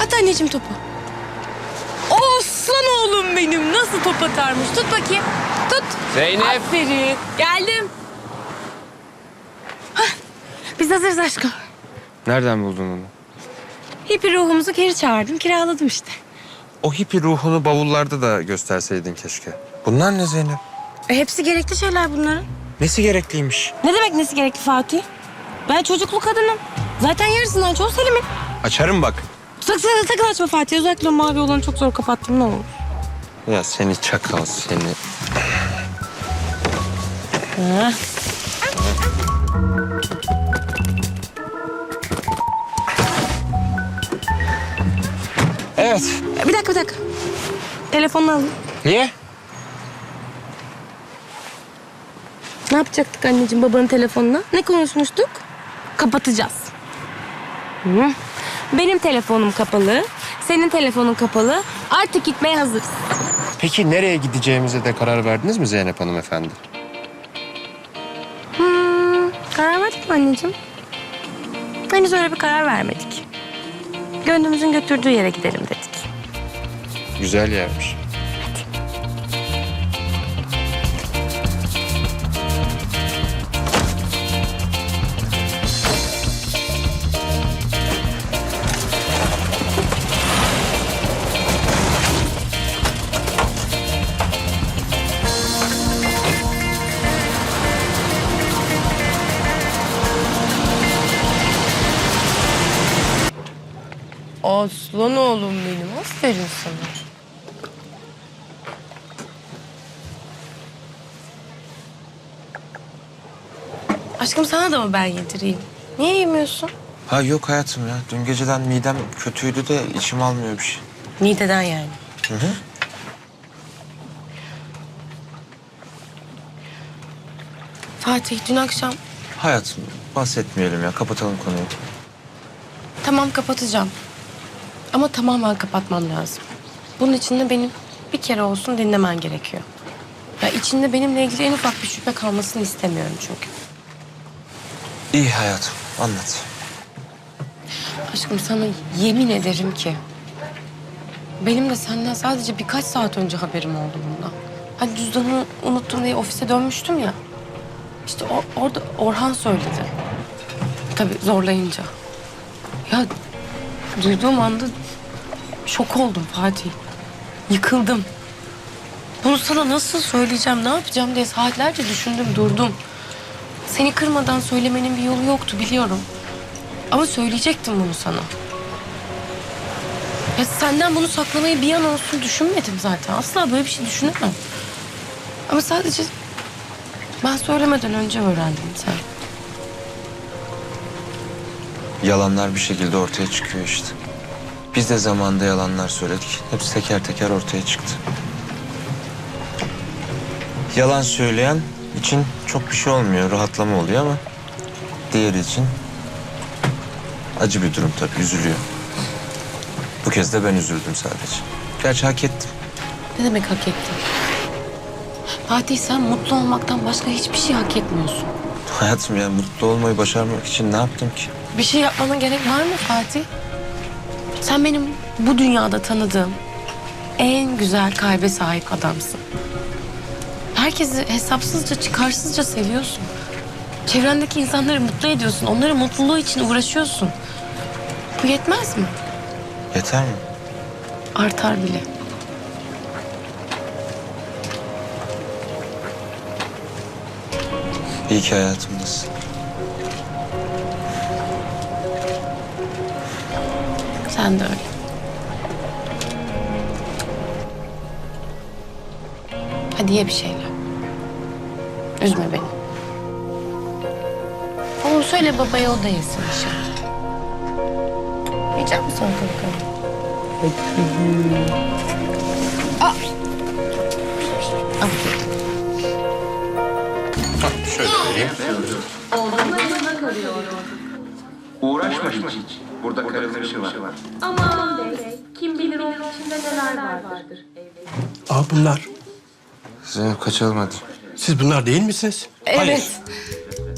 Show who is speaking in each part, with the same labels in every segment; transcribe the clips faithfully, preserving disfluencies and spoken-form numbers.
Speaker 1: At anneciğim topu. Aslan oğlum benim. Nasıl top atarmış. Tut bakayım. Tut.
Speaker 2: Zeynep.
Speaker 1: Aferin. Geldim. Hah, biz hazırız aşkım.
Speaker 2: Nereden buldun onu?
Speaker 1: Hippi ruhumuzu geri çağırdım. Kiraladım işte.
Speaker 2: O hippi ruhunu bavullarda da gösterseydin keşke. Bunlar ne Zeynep?
Speaker 1: E, hepsi gerekli şeyler bunların.
Speaker 2: Nesi gerekliymiş?
Speaker 1: Ne demek nesi gerekli Fatih? Ben çocuklu kadınım. Zaten yarısından çoğu Selim'in.
Speaker 2: Açarım bak.
Speaker 1: Sakın sakın, sakın açma Fatih. Özellikle o mavi olanı çok zor kapattım, ne olur.
Speaker 2: Ya seni çakal seni.
Speaker 1: Ha.
Speaker 2: Evet.
Speaker 1: Bir dakika bir dakika. Telefonunu alın.
Speaker 2: Niye?
Speaker 1: Ne yapacaktık anneciğim babanın telefonuna? Ne konuşmuştuk? Kapatacağız. Hı. Benim telefonum kapalı. Senin telefonun kapalı. Artık gitmeye hazırız.
Speaker 2: Peki nereye gideceğimize de karar verdiniz mi Zeynep Hanım efendi?
Speaker 1: Hmm, karar verdik mi anneciğim? Henüz öyle bir karar vermedik. Gönlümüzün götürdüğü yere gidelim dedik.
Speaker 2: Güzel yermiş.
Speaker 1: Aslan oğlum benim. Aferin sana. Aşkım sana da mı ben yedireyim? Niye yemiyorsun?
Speaker 2: Ha yok hayatım ya. Dün geceden midem kötüydü de içim almıyor bir şey.
Speaker 1: Mideden yani.
Speaker 2: Hı hı.
Speaker 1: Fatih dün akşam...
Speaker 2: Hayatım bahsetmeyelim ya. Kapatalım konuyu.
Speaker 1: Tamam kapatacağım. Ama tamamen kapatmam lazım. Bunun için de benim bir kere olsun dinlemen gerekiyor. Ya içinde benimle ilgili en ufak bir şüphe kalmasını istemiyorum çünkü.
Speaker 2: İyi hayatım. Anlat.
Speaker 1: Aşkım sana yemin ederim ki... benim de senden sadece birkaç saat önce haberim oldu bundan. Hani cüzdanımı unuttum diye ofise dönmüştüm ya. İşte o, orada Orhan söyledi. Tabii zorlayınca. Ya duyduğum anda şok oldum Fatih. Yıkıldım. Bunu sana nasıl söyleyeceğim, ne yapacağım diye saatlerce düşündüm, durdum. Seni kırmadan söylemenin bir yolu yoktu biliyorum. Ama söyleyecektim bunu sana. Ya senden bunu saklamayı bir an olsun düşünmedim zaten. Asla böyle bir şey düşünemem. Ama sadece ben söylemeden önce öğrendim sen.
Speaker 2: Yalanlar bir şekilde ortaya çıkıyor işte. Biz de zamanında yalanlar söyledik. Hepsi teker teker ortaya çıktı. Yalan söyleyen için çok bir şey olmuyor, rahatlama oluyor ama... diğeri için acı bir durum tabii, üzülüyor. Bu kez de ben üzüldüm sadece. Gerçi hak ettim.
Speaker 1: Ne demek hak ettin? Fatih sen mutlu olmaktan başka hiçbir şey hak etmiyorsun.
Speaker 2: Hayatım ya, mutlu olmayı başarmak için ne yaptım ki?
Speaker 1: Bir şey yapmana gerek var mı Fatih? Sen benim bu dünyada tanıdığım en güzel kalbe sahip adamsın. Herkesi hesapsızca, çıkarsızca seviyorsun. Çevrendeki insanları mutlu ediyorsun. Onların mutluluğu için uğraşıyorsun. Bu yetmez mi?
Speaker 2: Yeter mi?
Speaker 1: Artar bile.
Speaker 2: İyi ki hayatımdasın.
Speaker 1: Sen de öyle. Hadi ye bir şeyler. Üzme beni. Onu söyle babaya, o da yesin inşallah. Yiyecek misin bakalım? Aa! Aferin.
Speaker 2: Şöyle vereyim.
Speaker 3: Uğraşma hiç. Burada karılmışı var.
Speaker 4: Aman bey, kim bilir onun içinde neler vardır.
Speaker 5: Aa bunlar.
Speaker 2: Zeynep kaçalım hadi.
Speaker 5: Siz bunlar değil misiniz?
Speaker 1: Evet.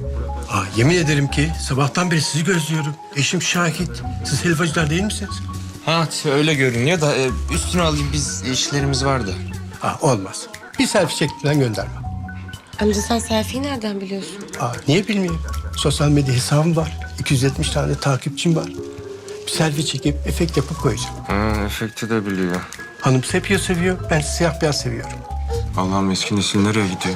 Speaker 5: Aa, yemin ederim ki sabahtan beri sizi gözlüyorum. Eşim şahit. Siz helvacılar değil misiniz?
Speaker 2: Ha öyle görünüyor da e, üstünü alayım, biz işlerimiz vardı.
Speaker 5: Aa, olmaz. Bir selfie çektiren gönderme.
Speaker 1: Amca sen selfie'yi nereden biliyorsun?
Speaker 5: Aa, niye bilmiyorum. Sosyal medya hesabım var. iki yüz yetmiş tane takipçim var. Bir selfie çekip efekt yapıp koyacağım.
Speaker 2: Ha, efekti de biliyor.
Speaker 5: Hanım sepya seviyor, ben siyah beyaz seviyorum.
Speaker 2: Allah'ım eski nesil nereye gidiyor?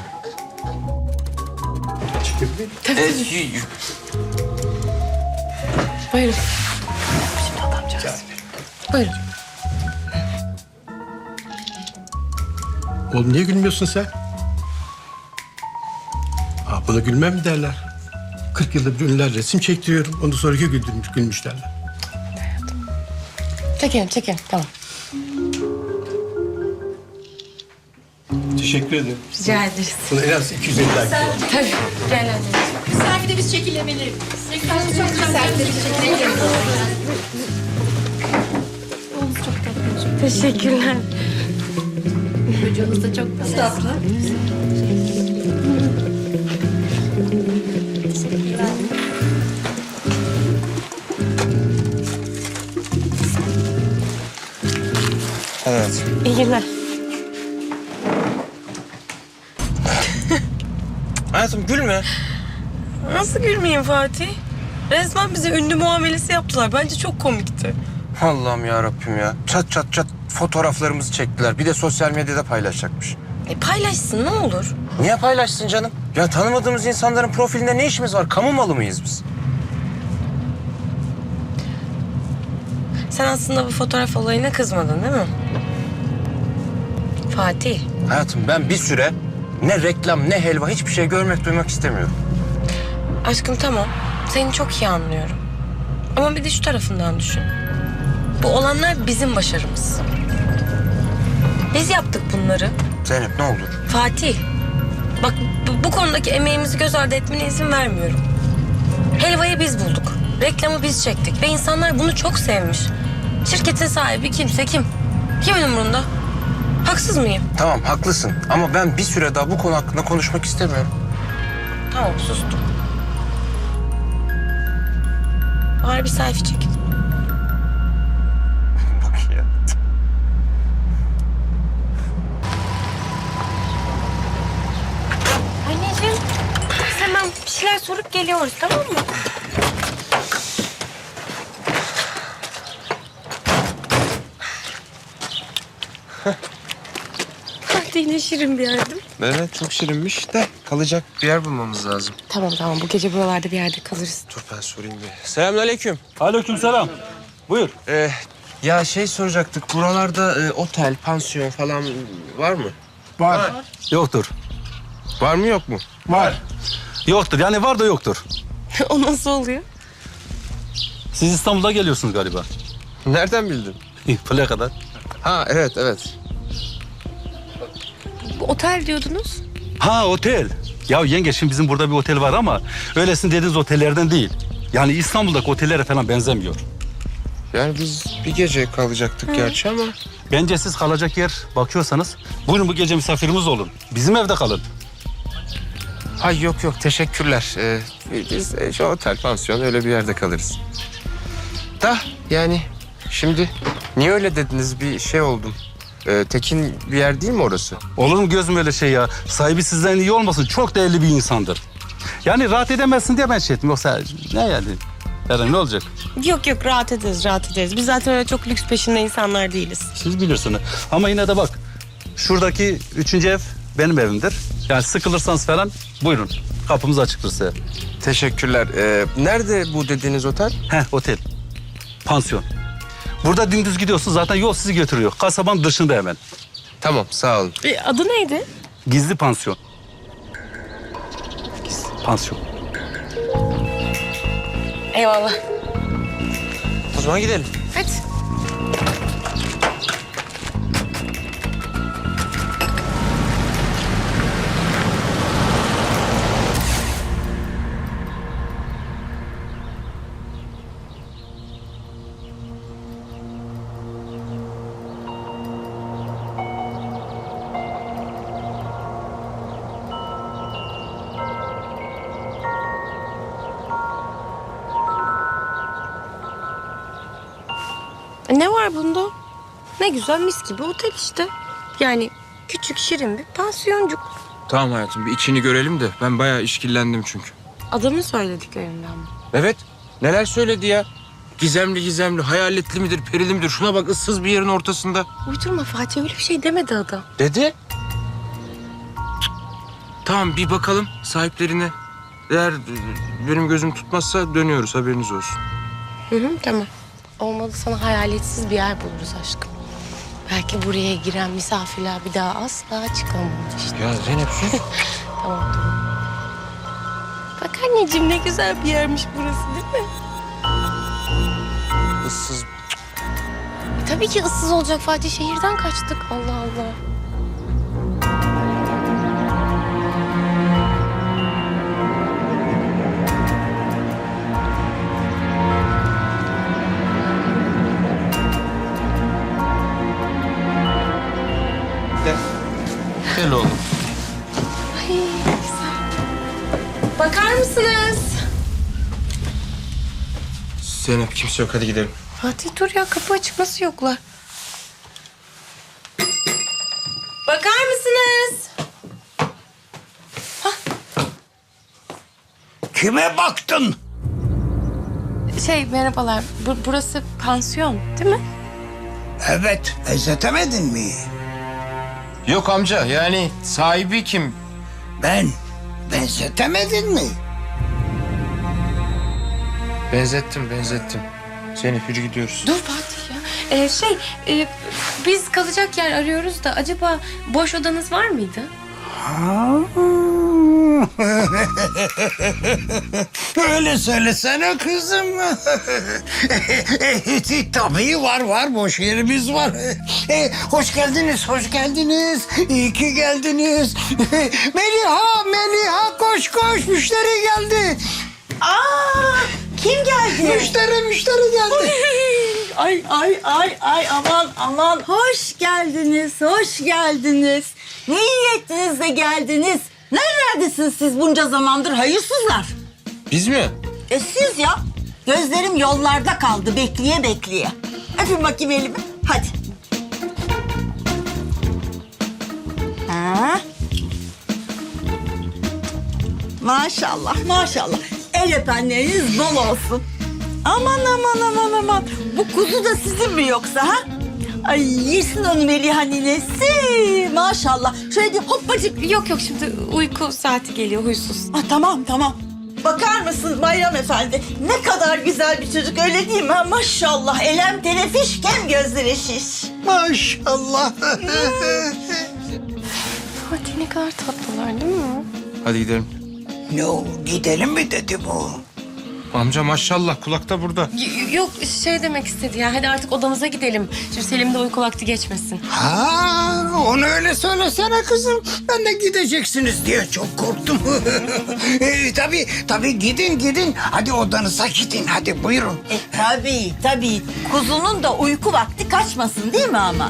Speaker 5: Çekebilir miyim?
Speaker 1: Buyurun. Şimdi adamcağız. Buyurun.
Speaker 5: Oğlum niye gülmüyorsun sen? Aa, buna gülmem mi derler? kırk yılda bir ünlüler resim çektiriyorum. Onu sonraki güldürmüş, gülmüş derler.
Speaker 1: Çekelim çekelim tamam.
Speaker 5: Teşekkür ederim.
Speaker 1: Rica ederiz.
Speaker 5: Buna en az iki yüz elli like var.
Speaker 1: Tabii. Gel anneciğim.
Speaker 6: Selfie'de biz çekilebilir. Selfie'de çok güzel. Selfie'de biz çekilebilir.
Speaker 1: Teşekkürler.
Speaker 6: Çocuğunuz da çok tatlı.
Speaker 2: Evet.
Speaker 1: İyi günler.
Speaker 2: Hayatım gülme.
Speaker 1: Nasıl gülmeyeyim Fatih? Resmen bize ünlü muamelesi yaptılar. Bence çok komikti.
Speaker 2: Allah'ım ya Rabbim ya. Çat çat çat fotoğraflarımızı çektiler. Bir de sosyal medyada paylaşacakmış.
Speaker 1: E paylaşsın ne olur.
Speaker 2: Niye paylaşsın canım? Ya tanımadığımız insanların profilinde ne işimiz var? Kamu malı mıyız biz?
Speaker 1: Sen aslında bu fotoğraf olayına kızmadın değil mi? Fatih.
Speaker 2: Hayatım ben bir süre ne reklam ne helva hiçbir şey görmek duymak istemiyorum.
Speaker 1: Aşkım tamam. Seni çok iyi anlıyorum. Ama bir de şu tarafından düşün. Bu olanlar bizim başarımız. Biz yaptık bunları.
Speaker 2: Zeynep ne olur?
Speaker 1: Fatih. Bak bu, bu konudaki emeğimizi göz ardı etmene izin vermiyorum. Helvayı biz bulduk. Reklamı biz çektik. Ve insanlar bunu çok sevmiş. Şirketin sahibi kimse kim? Kimin umurunda? Haksız mıyım?
Speaker 2: Tamam haklısın ama ben bir süre daha bu konu hakkında konuşmak istemiyorum.
Speaker 1: Tamam sustum. Bari bir selfie çekin.
Speaker 2: Bak ya.
Speaker 1: Anneciğim biz hemen bir şeyler sorup geliyoruz tamam mı? Hadi yine şirin bir yerdim.
Speaker 2: Evet çok şirinmiş de kalacak bir yer bulmamız lazım.
Speaker 1: Tamam tamam bu gece buralarda bir yerde kalırız.
Speaker 2: Dur ben sorayım bir. Selamünaleyküm.
Speaker 7: Aleykümselam. Buyur.
Speaker 2: Ee, ya şey soracaktık. Buralarda e, otel, pansiyon falan var mı?
Speaker 7: Var. Yoktur.
Speaker 2: Var mı yok mu?
Speaker 7: Var. Yoktur. Yani var da yoktur.
Speaker 1: O nasıl oluyor?
Speaker 7: Siz İstanbul'da geliyorsunuz galiba.
Speaker 2: Nereden bildin?
Speaker 7: Plaka'dan.
Speaker 2: Ha evet evet.
Speaker 1: Bu otel diyordunuz.
Speaker 7: Ha otel. Ya yenge şimdi bizim burada bir otel var ama öylesine dediğiniz otellerden değil. Yani İstanbul'daki otellere falan benzemiyor.
Speaker 2: Yani biz bir gece kalacaktık gerçi ama.
Speaker 7: Bence siz kalacak yer bakıyorsanız buyurun bu gece misafirimiz olun. Bizim evde kalın.
Speaker 2: Ay yok yok teşekkürler. Ee, biz e, şu otel, pansiyon öyle bir yerde kalırız. Da yani şimdi niye öyle dediniz bir şey oldum. Ee, tekin bir yer değil mi orası?
Speaker 7: Olur mu gözüm öyle şey ya? Sahibi sizden iyi olmasın. Çok değerli bir insandır. Yani rahat edemezsin diye ben şey ettim. Yoksa ne yani? Yarın ne olacak?
Speaker 1: Yok yok rahat ederiz rahat ederiz. Biz zaten öyle çok lüks peşinde insanlar değiliz.
Speaker 7: Siz bilirsiniz. Ama yine de bak. Şuradaki üçüncü ev benim evimdir. Yani sıkılırsanız falan buyurun. Kapımız açıktır size.
Speaker 2: Teşekkürler. Ee, nerede bu dediğiniz otel?
Speaker 7: Heh otel. Pansiyon. Burada dümdüz gidiyorsun zaten yol sizi götürüyor. Kasabanın dışında hemen.
Speaker 2: Tamam sağ olun.
Speaker 1: E, adı neydi?
Speaker 7: Gizli pansiyon. Gizli pansiyon.
Speaker 1: Eyvallah.
Speaker 2: O zaman gidelim.
Speaker 1: Hadi. Ne var bunda? Ne güzel mis gibi otel işte. Yani küçük şirin bir pansiyoncuk.
Speaker 8: Tamam hayatım bir içini görelim de ben bayağı işkillendim çünkü.
Speaker 1: Adamın söylediklerinden mi?
Speaker 8: Evet neler söyledi ya? Gizemli gizemli, hayaletli midir, perili midir? Şuna bak ıssız bir yerin ortasında.
Speaker 1: Uydurma Fatih, öyle bir şey demedi adam.
Speaker 8: Dedi. Tamam bir bakalım sahiplerine. Eğer e, benim gözüm tutmazsa dönüyoruz haberiniz olsun.
Speaker 1: Hı hı, tamam. Olmadı sana hayaletsiz bir yer buluruz aşkım. Belki buraya giren misafirler bir daha asla çıkamaz işte.
Speaker 8: Ya Zeynep sus.
Speaker 1: Tamam tamam. Bak anneciğim ne güzel bir yermiş burası değil mi?
Speaker 8: Issız.
Speaker 1: E, tabii ki ıssız olacak Fatih. Şehirden kaçtık. Allah Allah.
Speaker 8: Gel. Gel oğlum.
Speaker 1: Ay güzel. Bakar mısınız?
Speaker 8: Zeynep kimse yok hadi gidelim.
Speaker 1: Fatih dur ya, kapı açık, nasıl yoklar? Bakar mısınız?
Speaker 5: Kime baktın?
Speaker 1: Şey merhabalar, bu, burası pansiyon değil mi?
Speaker 5: Evet, benzetemedin mi?
Speaker 8: Yok amca yani sahibi kim?
Speaker 5: Ben, benzetemedin mi?
Speaker 8: Benzettim benzettim. Zeynep yürü gidiyoruz.
Speaker 1: Dur Fatih ya. Ee, şey, e, biz kalacak yer arıyoruz da acaba boş odanız var mıydı?
Speaker 5: Öyle söylesene kızım. Tabii var var, boş yerimiz var. E, hoş geldiniz, hoş geldiniz. İyi ki geldiniz. Meliha, Meliha koş koş, müşteri geldi.
Speaker 9: Aa, kim geldi?
Speaker 5: Müşteri, müşteri geldi.
Speaker 9: Ay ay ay ay aman aman hoş geldiniz hoş geldiniz. Ne iyi ettiniz de geldiniz. Nerelerdesiniz siz bunca zamandır hayırsızlar?
Speaker 8: Biz mi?
Speaker 9: E siz ya. Gözlerim yollarda kaldı bekleye bekleye. Öpün bakayım elimi hadi. Ha? Maşallah maşallah. El öpenleriniz bol olsun. Aman aman aman aman. Bu kuzu da sizin mi yoksa ha? Ay yesin onu Meliha ninesi. Maşallah. Şöyle bir hoppacık.
Speaker 1: Yok yok, şimdi uyku saati geliyor, huysuz.
Speaker 9: Ah, tamam tamam. Bakar mısın Bayram Efendi? Ne kadar güzel bir çocuk öyle değil mi? Ha? Maşallah. Elem tenefiş kem gözleri şiş.
Speaker 5: Maşallah.
Speaker 1: Fatih ne kadar tatlılar değil mi?
Speaker 8: Hadi gidelim.
Speaker 5: Ne o, gidelim mi dedi bu?
Speaker 8: Amca maşallah kulakta burada.
Speaker 1: Y- yok şey demek istedi ya, hadi artık odamıza gidelim. Şimdi Selim'de uyku vakti geçmesin.
Speaker 5: Ha, onu öyle söylesene kızım. Ben de gideceksiniz diye çok korktum. e, tabii, tabii gidin gidin. Hadi odanıza gidin, hadi buyurun.
Speaker 9: E tabii tabii. Kuzunun da uyku vakti kaçmasın değil mi ama?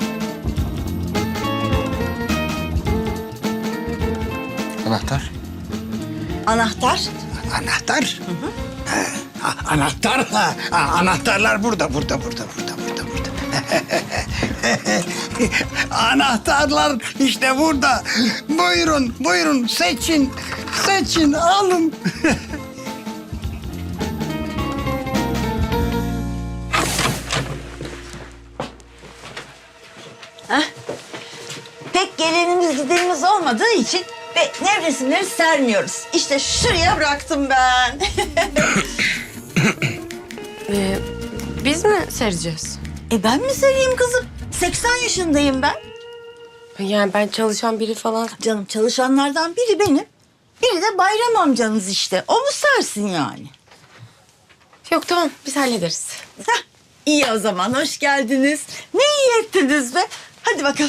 Speaker 8: Anahtar.
Speaker 9: Anahtar.
Speaker 5: Anahtar? Ha, anahtar, ha, ha, anahtarlar burada, burada, burada, burada, burada, burada. Anahtarlar işte burada. Buyurun, buyurun, seçin, seçin, alın.
Speaker 9: Pek gelenimiz gidenimiz olmadığı için ve nevresimleri sermiyoruz. İşte şuraya bıraktım ben.
Speaker 1: Ee, biz mi sereceğiz?
Speaker 9: E ben mi sereyim kızım? seksen yaşındayım ben.
Speaker 1: Yani ben çalışan biri falan.
Speaker 9: Canım çalışanlardan biri benim. Biri de Bayram amcanız işte. O mu sersin yani?
Speaker 1: Yok tamam, biz hallederiz.
Speaker 9: Heh, iyi o zaman hoş geldiniz. Ne iyi ettiniz be. Hadi bakalım.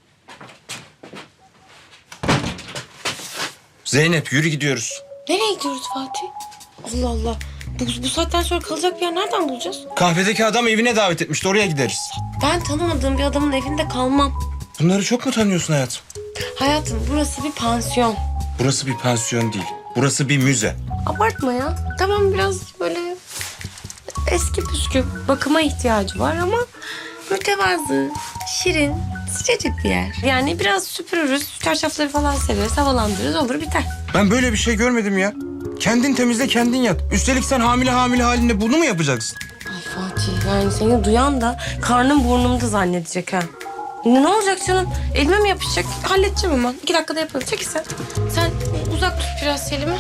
Speaker 8: Zeynep yürü gidiyoruz.
Speaker 1: Nereye gidiyoruz Fatih? Allah Allah. Bu, bu saatten sonra kalacak bir yer nereden bulacağız?
Speaker 8: Kahvedeki adam evine davet etmişti oraya gideriz.
Speaker 1: Ben tanımadığım bir adamın evinde kalmam.
Speaker 8: Bunları çok mu tanıyorsun hayatım?
Speaker 1: Hayatım burası bir pansiyon.
Speaker 8: Burası bir pansiyon değil. Burası bir müze.
Speaker 1: Abartma ya. Tamam biraz böyle eski püskü. Bakıma ihtiyacı var ama mütevazı, şirin, sıcacık bir yer. Yani biraz süpürürüz, çarşafları falan sereriz, havalandırırız, olur biter.
Speaker 8: Ben böyle bir şey görmedim ya. Kendin temizle, kendin yat. Üstelik sen hamile hamile halinde bunu mu yapacaksın?
Speaker 1: Ay Fatih, yani seni duyan da karnım burnumda zannedecek ha. Ne olacak canım? Elime mi yapışacak? Halledeceğim hemen. İki dakikada yaparım. Çekil sen. Sen uzak tut biraz Selim'i.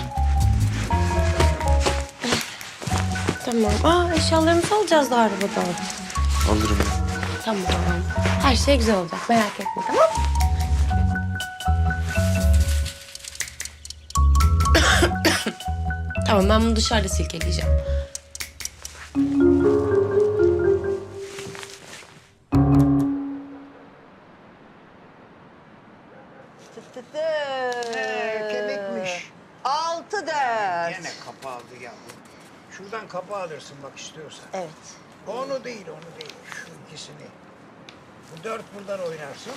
Speaker 1: Tamam. Aa, eşyalarımızı alacağız da arabadan.
Speaker 8: Alırım ya.
Speaker 1: Tamam. Her şey güzel olacak. Merak etme, tamam mı? Tamam, ben bunu dışarıda silkeleyeceğim.
Speaker 5: Kemikmiş.
Speaker 9: Altı dört.
Speaker 5: Gene kapı aldı yavrum. Şuradan kapı alırsın bak istiyorsan.
Speaker 9: Evet.
Speaker 5: Onu değil, onu değil. Şu ikisini. Bu dört buradan oynarsın.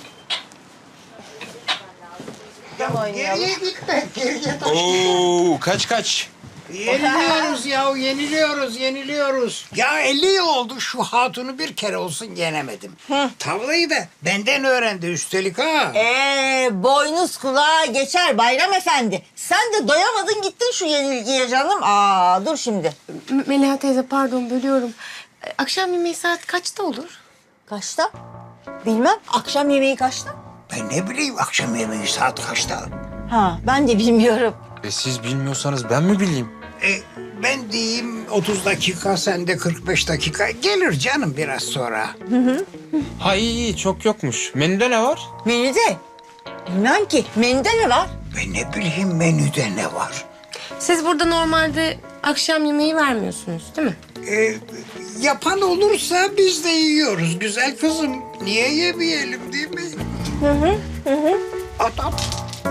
Speaker 5: Ya geriye gitme, geriye taş.
Speaker 8: Oo, kaç kaç?
Speaker 5: Yeniliyoruz ya, yeniliyoruz, yeniliyoruz. Ya elli yıl oldu şu hatunu bir kere olsun yenemedim. Tavlayı da benden öğrendi üstelik ha.
Speaker 9: Ee, boynuz kulağa geçer Bayram Efendi. Sen de doyamadın gittin şu yenilgiye canım. Aa, dur şimdi.
Speaker 1: M- Meliha teyze, pardon bölüyorum. Ee, Akşam yemeği saat kaçta olur?
Speaker 9: Kaçta? Bilmem. Akşam yemeği kaçta?
Speaker 5: Ben ne bileyim akşam yemeği saat kaçta?
Speaker 9: Ha, ben de bilmiyorum.
Speaker 8: E siz bilmiyorsanız ben mi bileyim?
Speaker 5: E, ben diyeyim otuz dakika, sen de kırk beş dakika. Gelir canım biraz sonra.
Speaker 8: Ha iyi iyi, çok yokmuş. Menüde ne var?
Speaker 9: Menüde? Bilmem ki. Menüde ne var?
Speaker 5: Ben ne bileyim menüde ne var?
Speaker 1: Siz burada normalde akşam yemeği vermiyorsunuz değil mi?
Speaker 5: E, yapan olursa biz de yiyoruz güzel kızım. Niye yemeyelim değil mi? Hı hı. hı. At at.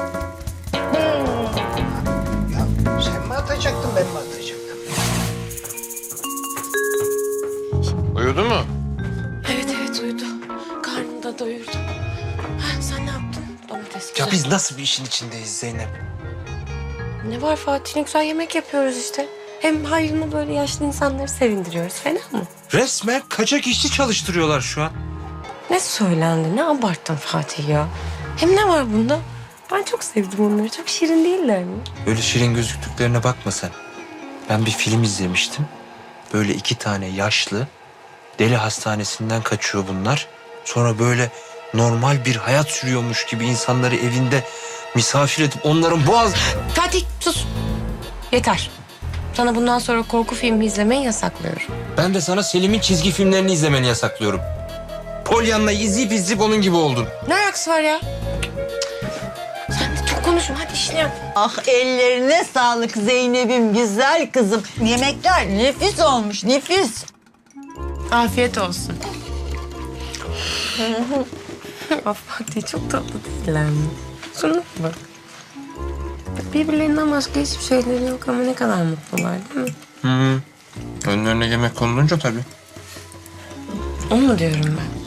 Speaker 5: Ya sen mi atacaktın ben mi atacaktım?
Speaker 8: Uyudu mu?
Speaker 1: Evet evet uyudu. Karnını da doyurdu. Ha, sen ne yaptın? Domates güzel.
Speaker 8: Ya biz nasıl bir işin içindeyiz Zeynep?
Speaker 1: Ne var Fatih? Ne güzel yemek yapıyoruz işte. Hem hayrına böyle yaşlı insanları sevindiriyoruz. Fena mı?
Speaker 8: Resmen kaçak işçi çalıştırıyorlar şu an.
Speaker 1: Ne söylendi? Ne abarttın Fatih ya? Hem ne var bunda? Ben çok sevdim onları. Çok şirin değiller mi?
Speaker 2: Öyle şirin gözüktüklerine bakma sen. Ben bir film izlemiştim. Böyle iki tane yaşlı deli hastanesinden kaçıyor bunlar. Sonra böyle normal bir hayat sürüyormuş gibi insanları evinde misafir edip onların boğaz...
Speaker 1: Fatih sus. Yeter. Sana bundan sonra korku filmi izlemeyi yasaklıyorum.
Speaker 8: Ben de sana Selim'in çizgi filmlerini izlemeni yasaklıyorum. Pollyanna'yı izleyip izleyip onun gibi oldun.
Speaker 1: Ne alakası var ya? Sen de çok konuşma. Hadi işini yap.
Speaker 9: Ah, ellerine sağlık Zeynep'im, güzel kızım. Yemekler nefis olmuş, nefis.
Speaker 1: Afiyet olsun. Ah Fatih, çok tatlı değiller mi? Şuna bak. Birbirlerinden başka hiçbir şeyleri yok ama ne kadar mutlular değil mi?
Speaker 8: Hı. Önlerine yemek konulunca tabii.
Speaker 1: Onu mu diyorum ben?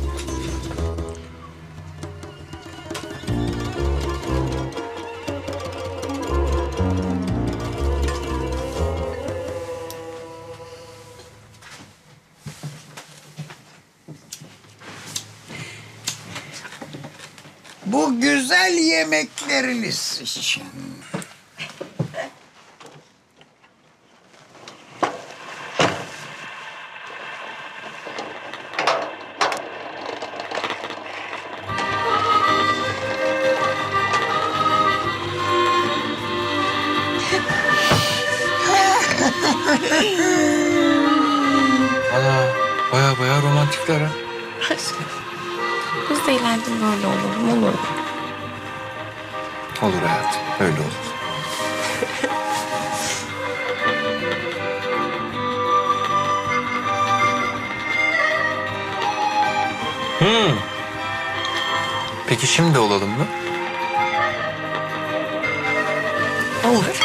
Speaker 5: Bu güzel yemekleriniz için.
Speaker 8: Valla baya baya romantikler ha.
Speaker 1: Aşkım. Biz de ileride böyle olalım, olur mu?
Speaker 8: Olur hayatım, öyle olur. Hmm. Peki şimdi olalım mı?
Speaker 1: Olur.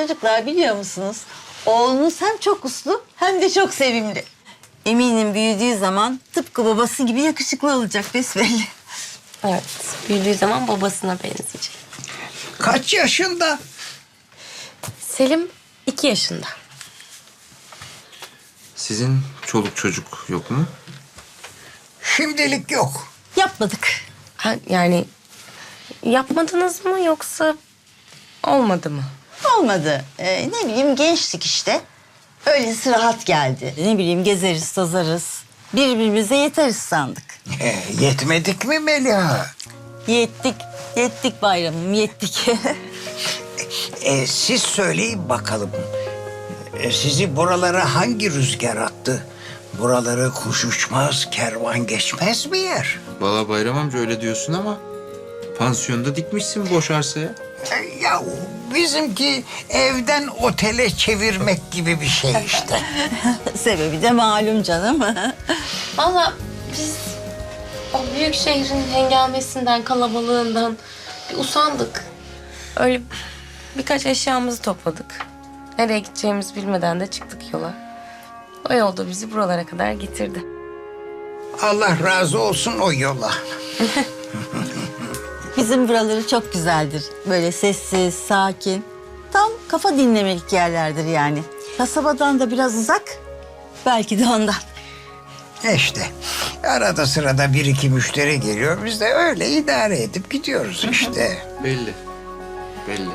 Speaker 9: Çocuklar biliyor musunuz? Oğlunuz hem çok uslu hem de çok sevimli. Eminim büyüdüğü zaman tıpkı babası gibi yakışıklı olacak besbelli.
Speaker 1: Evet, büyüdüğü zaman babasına benzeyecek.
Speaker 5: Kaç yaşında?
Speaker 1: Selim iki yaşında.
Speaker 2: Sizin çoluk çocuk yok mu?
Speaker 5: Şimdilik yok.
Speaker 9: Yapmadık.
Speaker 1: Ha, yani yapmadınız mı yoksa olmadı mı?
Speaker 9: Olmadı. Ee, ne bileyim gençlik işte. Öylesi rahat geldi. Ne bileyim gezeriz, tozarız. Birbirimize yeteriz sandık.
Speaker 5: E, yetmedik mi Meliha?
Speaker 9: Yettik, yettik bayramım, yettik.
Speaker 5: E, siz söyleyin bakalım. E, sizi buralara hangi rüzgar attı? Buraları kuş uçmaz, kervan geçmez mi yer?
Speaker 2: Valla Bayram amca öyle diyorsun ama pansiyonda dikmişsin boş arsaya.
Speaker 5: E, ya bizimki evden otele çevirmek gibi bir şey işte.
Speaker 9: Sebebi de malum canım.
Speaker 1: Vallahi biz o büyük şehrin hengamesinden, kalabalığından bir usandık. Öyle birkaç eşyamızı topladık. Nereye gideceğimizi bilmeden de çıktık yola. O yolda bizi buralara kadar getirdi.
Speaker 5: Allah razı olsun o yola.
Speaker 9: Bizim buraları çok güzeldir. Böyle sessiz, sakin. Tam kafa dinlemelik yerlerdir yani. Kasabadan da biraz uzak. Belki de ondan.
Speaker 5: İşte arada sırada bir iki müşteri geliyor. Biz de öyle idare edip gidiyoruz işte.
Speaker 2: Belli. Belli.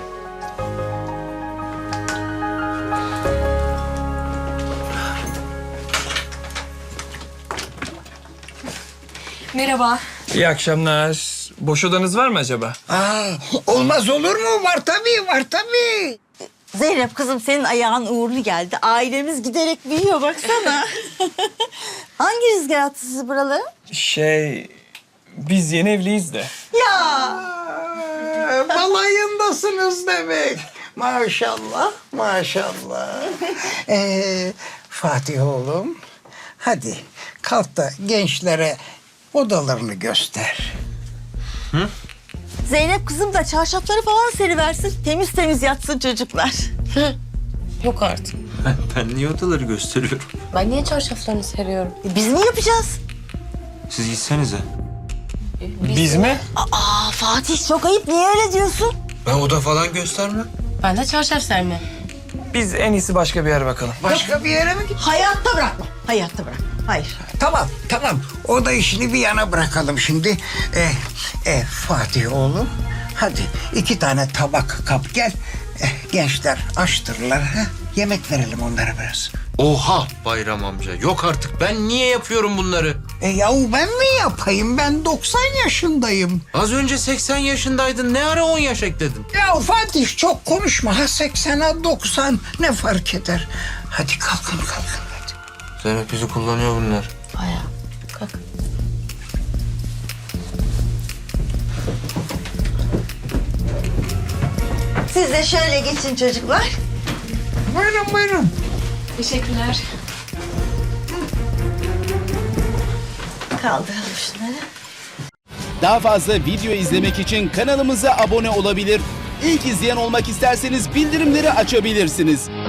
Speaker 1: Merhaba.
Speaker 10: İyi akşamlar. Boş odanız var mı acaba?
Speaker 5: Aa, olmaz olur mu? Var tabii, var tabii.
Speaker 9: Zeynep kızım senin ayağın uğurlu geldi. Ailemiz giderek büyüyor baksana. Hangi rüzgar attı sizi buralara?
Speaker 10: Şey, biz yeni evliyiz de.
Speaker 9: Ya
Speaker 5: Aa, balayındasınız demek. Maşallah, maşallah. Ee, Fatih oğlum, hadi kalk da gençlere odalarını göster.
Speaker 9: Zeynep kızım da çarşafları falan seriversin. Temiz temiz yatsın çocuklar.
Speaker 1: Yok artık.
Speaker 2: Ben niye odaları gösteriyorum?
Speaker 1: Ben niye çarşaflarını seriyorum?
Speaker 9: E, Biz ne yapacağız?
Speaker 2: Siz gitsenize.
Speaker 10: Biz mi?
Speaker 9: Aa Fatih çok ayıp. Niye öyle diyorsun?
Speaker 2: Ben oda falan göstermem.
Speaker 1: Ben de çarşaf sermem.
Speaker 10: Biz en iyisi başka bir yere bakalım.
Speaker 5: Başka bir yere mi git?
Speaker 9: Hayatta bırakma. Hayatta bırakma. Hayır.
Speaker 5: Tamam, tamam. Oda işini bir yana bırakalım şimdi. Ee, e, Fatih oğlum, hadi iki tane tabak kap gel. Eh, gençler açtırırlar. Ha? Yemek verelim onlara biraz.
Speaker 8: Oha Bayram amca. Yok artık. Ben niye yapıyorum bunları?
Speaker 5: E yahu ben mi yapayım? Ben doksan yaşındayım.
Speaker 8: Az önce seksen yaşındaydın. Ne ara on yaş ekledin?
Speaker 5: Ya Fatih çok konuşma. Ha seksen ha doksan ne fark eder? Hadi kalkın kalkın hadi.
Speaker 2: Zeynep bizi kullanıyor bunlar.
Speaker 1: Bayağı. Kalk.
Speaker 9: Siz de şöyle geçin çocuklar.
Speaker 5: Buyurun buyurun.
Speaker 1: Teşekkürler.
Speaker 9: Kaldıralım şunları.
Speaker 11: Daha fazla video izlemek için kanalımıza abone olabilir. İlk izleyen olmak isterseniz bildirimleri açabilirsiniz.